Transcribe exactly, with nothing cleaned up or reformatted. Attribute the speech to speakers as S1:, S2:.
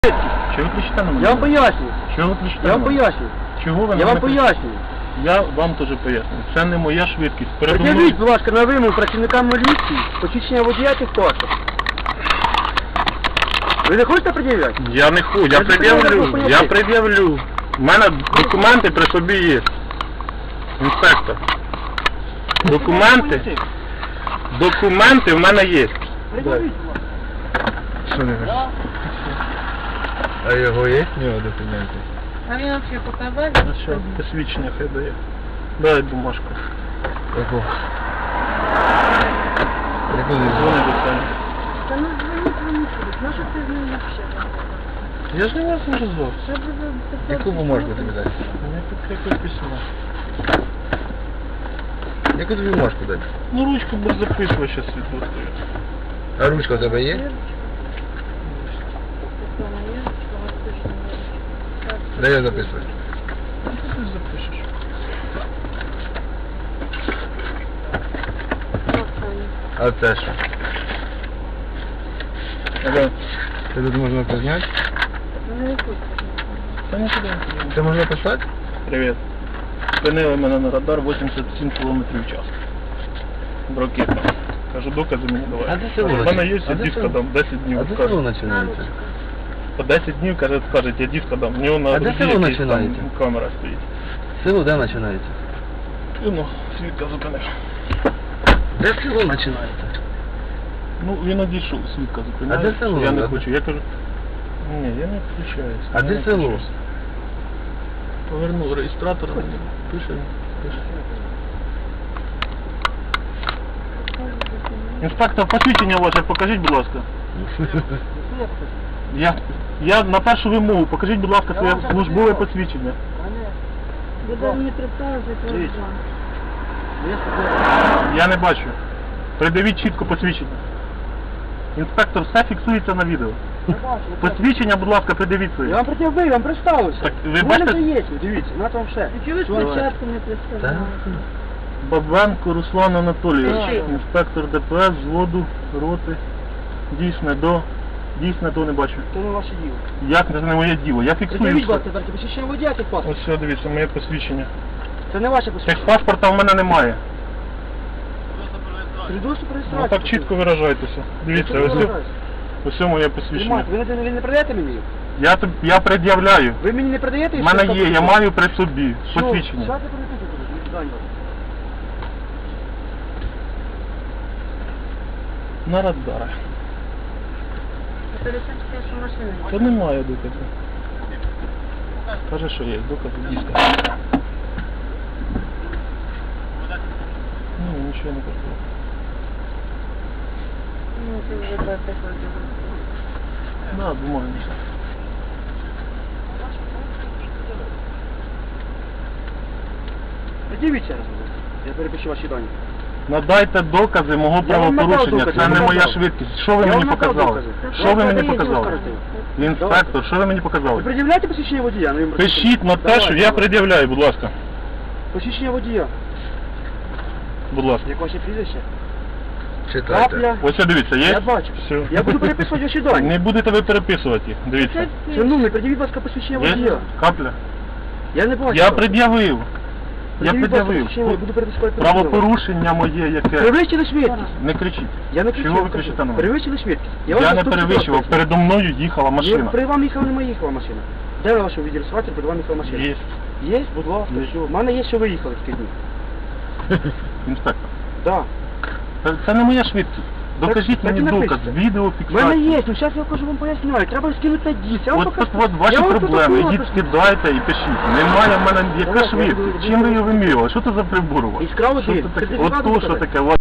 S1: Чого ви кричите на мене?
S2: Я вам пояснюю.
S1: Чого ви кричите
S2: Я
S1: на
S2: вам
S1: мене?
S2: пояснюю.
S1: Чого ви на
S2: Я вам
S1: мене кричите?
S2: пояснюю.
S1: Я вам теж пояснюю. Це не моя швидкість. Передо мною...
S2: Пред'явіть, будь ласка, на вимогу працівникам міліції посвідчення водія техпаспорт. Ви не хочете пред'являти?
S1: Я не хочу, я
S2: Я
S1: пред'явлю,
S2: не
S1: я
S2: хочу.
S1: пред'явлю. У мене документи при собі є. Інспектор. Документи, документи в мене є.
S2: Пред'явіть, будь ласка.
S1: Що не
S2: Да.
S3: А його є в нього документи?
S4: А він взагалі показав?
S1: А що, посвідчення хай дає. Дай бумажку.
S3: Яку? Яку
S1: Дзвони
S3: не
S1: до цього.
S4: Та ну дзвоніть, дзвоніть. Ну що ти з ним взагалі?
S1: Я ж не вас не розвав.
S4: Що ви за...
S3: Яку бумажку тобі дати?
S1: Мені тут якось письмо.
S3: Яку тобі бумажку дати?
S1: Ну ручку без записувача світло.
S3: А ручка у тебе є? Дай я записувати.
S1: Ти запишеш.
S3: А це що?
S1: Ага.
S3: Це тут можна позняти?
S1: Та нікуди не підемо.
S3: Це можна писати?
S1: Привіт. Спинили мене на радар вісімдесят сім кілометрів в час. Ракета. Кажу, докази мені давай.
S3: А де село
S1: У мене
S3: починається?
S1: є,
S3: А
S1: я
S3: де
S1: диска
S3: село?
S1: дам, десять днів.
S3: А де
S1: скажу.
S3: село починається?
S1: По десять днів, каже, скажуть, я диска дам. У нього на
S3: А де
S1: груді
S3: село
S1: якийсь там
S3: починається?
S1: камера стоїть.
S3: Село де починається?
S1: Ну, свідка зупинив.
S3: Де село починається?
S1: Ну, він одійшов, свідка зупинив.
S3: А де село?
S1: Я не
S3: А де?
S1: хочу. Я кажу, ні, я не включаюся.
S3: А
S1: я
S3: де
S1: не
S3: село?
S1: включусь. Повернув реєстратор, пише, пише. Інспектор, посвідчення ваше, покажіть, будь ласка. Я, я на першу вимогу, покажіть, будь ласка, своє службове посвідчення.
S4: Буде мені представити, то
S2: Дивіться.
S4: вам.
S1: Я не бачу. Придивіть чітко посвідчення. Інспектор, все фіксується на відео. Посвідчення, будь ласка, придивіть
S2: Я
S1: своє.
S2: вам пред'явив, я вам представився.
S1: Так, ви
S2: У мене
S1: бачите-
S2: вже є, дивіться, на вам все.
S4: Чого ви
S2: Що?
S4: спочатку не представляли?
S1: Бабенко Руслан Анатолійович,
S4: Так.
S1: інспектор ДПС, взводу, роти. Дійсне до. Дійсне до не бачу.
S2: Це не ваше діло.
S1: Як це не моє діло? Я фіксую.
S2: Пред'явіть, будь
S1: все.
S2: ласка, тільки посвідчення водія техпаспорт.
S1: Ось все, дивіться, моє посвідчення.
S2: Це не ваше посвідчення.
S1: Техпаспорта в мене немає.
S2: Свідоцтво про
S1: Ну
S2: реєстрацію.
S1: так чітко виражайтеся. Дивіться, ось, ось моє посвідчення.
S2: Тримайте, ви не, ви не продаєте мені?
S1: Я, тоб- я пред'являю.
S2: Ви мені не продаєте?
S1: У мене є, я маю при собі
S2: Що?
S1: посвідчення.
S2: Зараз я переписую, до свидання.
S1: На радарах.
S4: Це лише що машина.
S1: Та немає доказу. Каже, що є, докази диска. Ну, нічого не кажу.
S4: Ну, це вже так ходить.
S1: Да, бумаги.
S2: Пред'явіть ще раз, будь ласка. Я перепишу ваші дані.
S1: Надайте докази мого
S2: Я вам надав
S1: правопорушення.
S2: докази,
S1: Це
S2: я
S1: не
S2: вам
S1: моя
S2: надав.
S1: швидкість. Що ви
S2: Я
S1: мені
S2: вам надав
S1: показали?
S2: докази.
S1: Що ви мені
S4: Давайте,
S1: показали?
S2: давайте.
S1: Інспектор, що ви мені
S2: Ви
S1: показали?
S2: пред'являєте посвідчення водія? Ну, я вам
S1: Пишіть на те,
S2: Давайте,
S1: що я
S2: давайте.
S1: пред'являю, будь ласка.
S2: Посвідчення водія.
S1: Будь ласка.
S2: Як ваше прізвище?
S3: Читайте.
S2: Капля.
S1: Ось це дивіться, є?
S2: Я бачу.
S1: Все.
S2: Я буду переписувати ваші дані.
S1: Не будете ви переписувати їх. Дивіться.
S2: Шановний, пред'явіть, будь ласка, посвідчення
S1: Є?
S2: водія.
S1: Капля.
S2: Я не бачу.
S1: Я пред'явив. Я
S2: Пред'явіть, будь ласка,
S1: пред'явив.
S2: посвідчення, я буду переписувати водія.
S1: Правопорушення моє яке.
S2: Перевищили швидкість.
S1: Не кричіть.
S2: Я не кричу.
S1: Чого ви кричите на мене?
S2: Перевищили швидкість.
S1: Я
S2: вам
S1: не
S2: наступний раз
S1: перевищував.
S2: поясню.
S1: Передо мною їхала
S2: Ні,
S1: машина.
S2: при вам їхала, немає їхала машина. Де ви вашого відреєструвати, при вам їхала машина?
S1: Є.
S2: Є, будь ласка,
S1: Є.
S2: все. У мене є, що ви їхали в ті дні.
S1: Інспектор.
S2: Да.
S1: Це- Це не моя швидкість. Докажіть
S2: так
S1: мені
S2: і
S1: доказ,
S2: напишіть. У мене
S1: відеофіксацію.
S2: є, ну зараз я кажу вам поясняю. Треба скинути на диск. Я вам
S1: От
S2: покажу.
S1: тут от ваші
S2: Я вам
S1: проблеми,
S2: протокол
S1: ідіть
S2: напишу.
S1: скидайте і пишіть. Немає в мене яка
S2: Давайте, я
S1: швидкість.
S2: буду-
S1: Чим ви її вимірювали? Що це за прибор у вас?
S2: Іскра
S1: Що
S2: один.
S1: це таке?
S2: Сертифікат
S1: От то, що
S2: показати?
S1: таке.